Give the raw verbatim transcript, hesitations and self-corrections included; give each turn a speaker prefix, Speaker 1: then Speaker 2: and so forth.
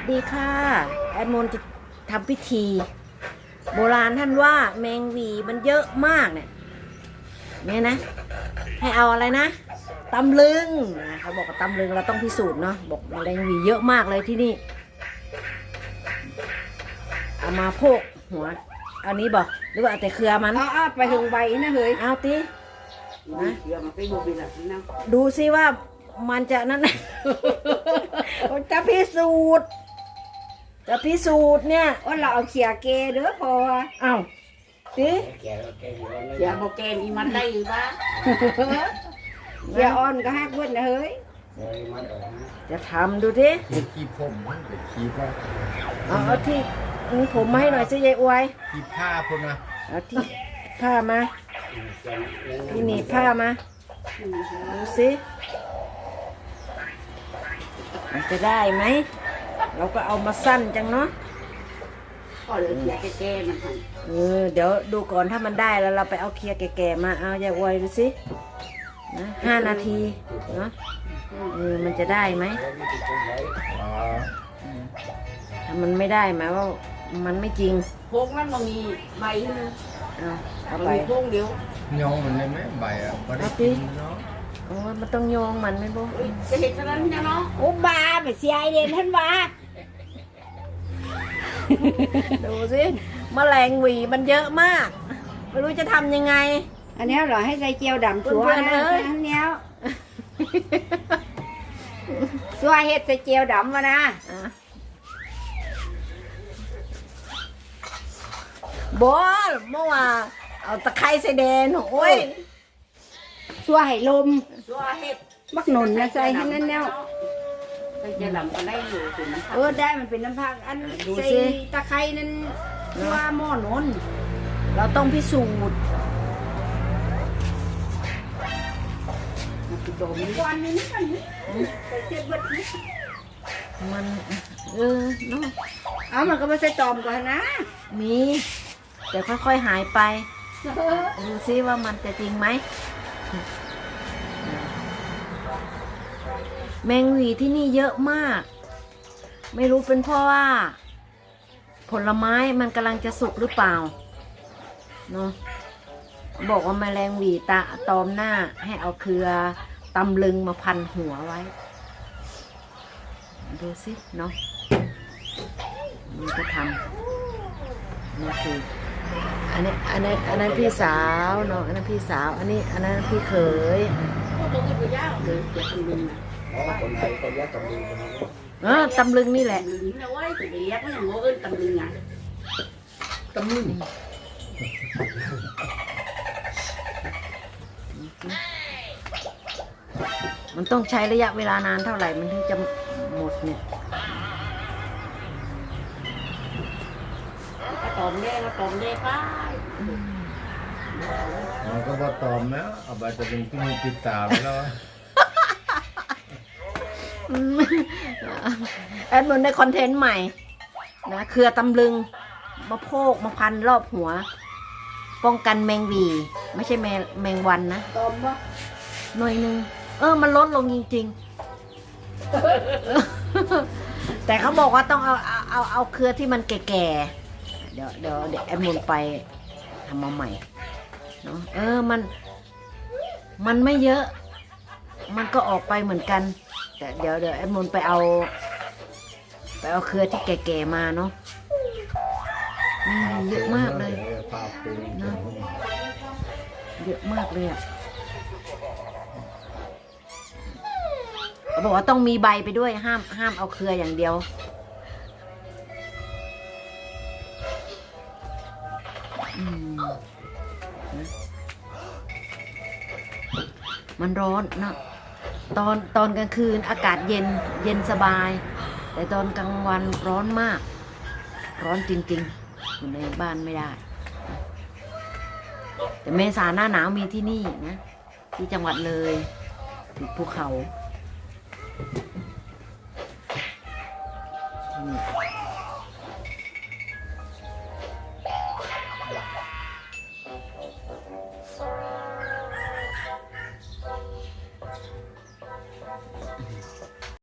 Speaker 1: ดีค่ะแอดมนจะทำพิธี โบราณท่านว่าแมงวีมันเยอะมากเนี่ยเนี่ยนะให้เอาอะไรนะตำลึงนะเขาบอกว่าตำลึงเราต้องพิสูจน์เนาะบอกแมลงวีเยอะมากเลยที่นี่เอามาโพกหัวเอานี้บอกหรือว่าเอาแต่เครือมัน
Speaker 2: เอาเอาไปถึงใบนะเฮ้ย
Speaker 1: เอาติ
Speaker 2: นะเดี๋ยวมาไปดูบินอ่ะนะ
Speaker 1: ดูซิว่ามันจะนั่น จะพิสูจน์จะพิสูจน์เนี่ย
Speaker 2: ว่าเราเอาเขียเกเด้อพอ
Speaker 1: เอ้าสิ
Speaker 2: เขียโปแกมอีมันได้อยู่ปะเขียอ่อนก็ฮักเบิ้ลนะเฮ้ย
Speaker 1: จะทำดูดิ
Speaker 3: เด็กขี้ผมเด็กขี้ผ้า
Speaker 1: เอาเอาที่นี่ผมมาให้หน่อยสิยายอวย
Speaker 3: ขี้ผ้าคนนะ
Speaker 1: เอาที่ผ้ามาที่หนีบผ้ามาดูสิมันจะได้ไหมเราก็เอามาสั้นจังเนาะ
Speaker 2: ก็เหลือเขียแก่ๆมันให้
Speaker 1: เออเดี๋ยวดูก่อนถ้ามันได้แล้วเราไปเอาเคลียร์แก่ๆมาเอายายอวยดูสินะห้านาทีเนาะเออมันจะได้ไหม
Speaker 3: อ๋อ
Speaker 1: ถ้ามันไม่ได้หมายว่ามันไม่จริง
Speaker 2: พงมันมันมีใบนะ
Speaker 1: เอาเอา
Speaker 2: มัน
Speaker 1: ไป
Speaker 2: มีพงเดียว
Speaker 3: ย้องมันได้ไหมใบอ่ะไม่ได้กินเนาะ
Speaker 1: โอ้ยมันต้องโยงมันไหมบุ๊
Speaker 2: เอ้ยจะเห็นเท่านั้นนะเนาะ
Speaker 1: โอ้บาไปเสียไอเด่นท่านว่า ดูสิแมลงหวีมันเยอะมากไม่รู้จะทำยังไง
Speaker 2: อันนี้เหรอให้ใส่เจียวดำชัว
Speaker 1: เพื่อน
Speaker 2: นะ
Speaker 1: ๆเอ้ย
Speaker 2: อันเนี้ยชัวเห็ดใส่เจียวดำมานะ
Speaker 1: อ่ะบอสเมื่อวานเอาตะไคร้ใส่แดงโอ้ย
Speaker 2: ชัวให้ลม
Speaker 4: ชัวเห็ด
Speaker 2: มักหนุนนะใส่ให้นั่นแนว
Speaker 4: ใส่เจะหลำก็ได้อยู่ถึงน้ำ
Speaker 2: เออได้มันเป็นน้ำผักอัน
Speaker 1: ดู
Speaker 2: ใส่
Speaker 1: สิ
Speaker 2: ตะไคร้นั่นชัวหม้อหนุน
Speaker 1: เราต้องพิสูจน์
Speaker 2: โดมวันนี้นี่กันนี่ใส่เจ็ดเบิดนี่
Speaker 1: มันเออเนาะ
Speaker 2: เอามันก็มาใส่ตอมก่อนนะ
Speaker 1: มีแต่ค่อยๆหายไปดูซิว่ามันจะจริงไหมแมงหวีที่นี่เยอะมาก ไม่รู้เป็นเพราะว่า ผลไม้มันกำลังจะสุกหรือเปล่าเนาะบอกว่าแมลงหวีตาตอมหน้าให้เอาเครือตำลึงมาพันหัวไว้ ดูสิเนาะมันก็ทำนี่คืออันนี้อันนี้อันนั้นพี่สาวเนาะอันนั้นพี่สาวอันนี้อันนั้นพี่เขย
Speaker 4: พวกตัวอื่นไปย่างเลยเดี๋ยวตำลึงนะ
Speaker 3: อ๋อคนไทยก็ยัดตำลึงกันนะ
Speaker 1: เออตำลึงนี่แหละ
Speaker 4: ตำลึงนะเว้ยจะไปเรียกว่าอย่างโง่เอิ้นตำลึงอ่ะ
Speaker 3: ตำลึง
Speaker 1: มันต้องใช้ระยะเวลานานเท่าไหร่มันถึงจะหมดเนี่ย
Speaker 4: กระตอมเล่กระตอมเล่ไป
Speaker 3: มันก็ว่าตอมแล้วเอาไปจะเป็นพี่มือปิดตาไปแล้ว
Speaker 1: แอดมินได้คอนเทนต์ใหม่นะเครือตำลึงมาโพกมาพันรอบหัว ป้องกันแมงหวีไม่ใช่แมงแมงวันนะ
Speaker 2: ตอมบ่
Speaker 1: หน่วยหนึ่งเออมันลดลงจริงๆ แต่เขาบอกว่าต้องเอาเอาเอาเอาเครือที่มันแก่ๆเดี๋ยวเดี๋ยวเดี๋ยวแอดมินไปทำมาใหม่เนาะเออมันมันไม่เยอะ มันก็ออกไปเหมือนกันแต่เดี๋ยวเดี๋ยวแอดมินไปเอาไปเอาเครือที่แก่ๆมาเนาะอืมเยอะมากเลย
Speaker 3: ปลาปู
Speaker 1: เยอะมากเลยอ่ะเขาบอกว่าต้องมีใบไปด้วยห้ามห้ามเอาเครืออย่างเดียวอืมนะมันร้อนนะตอนตอนกลางคืนอากาศเย็นเย็นสบาย แต่ตอนกลางวันร้อนมาก ร้อนจริงๆอยู่ในบ้านไม่ได้ แต่เมษาหน้าหนาวมีที่นี่นะที่จังหวัดเลยติดภูเขา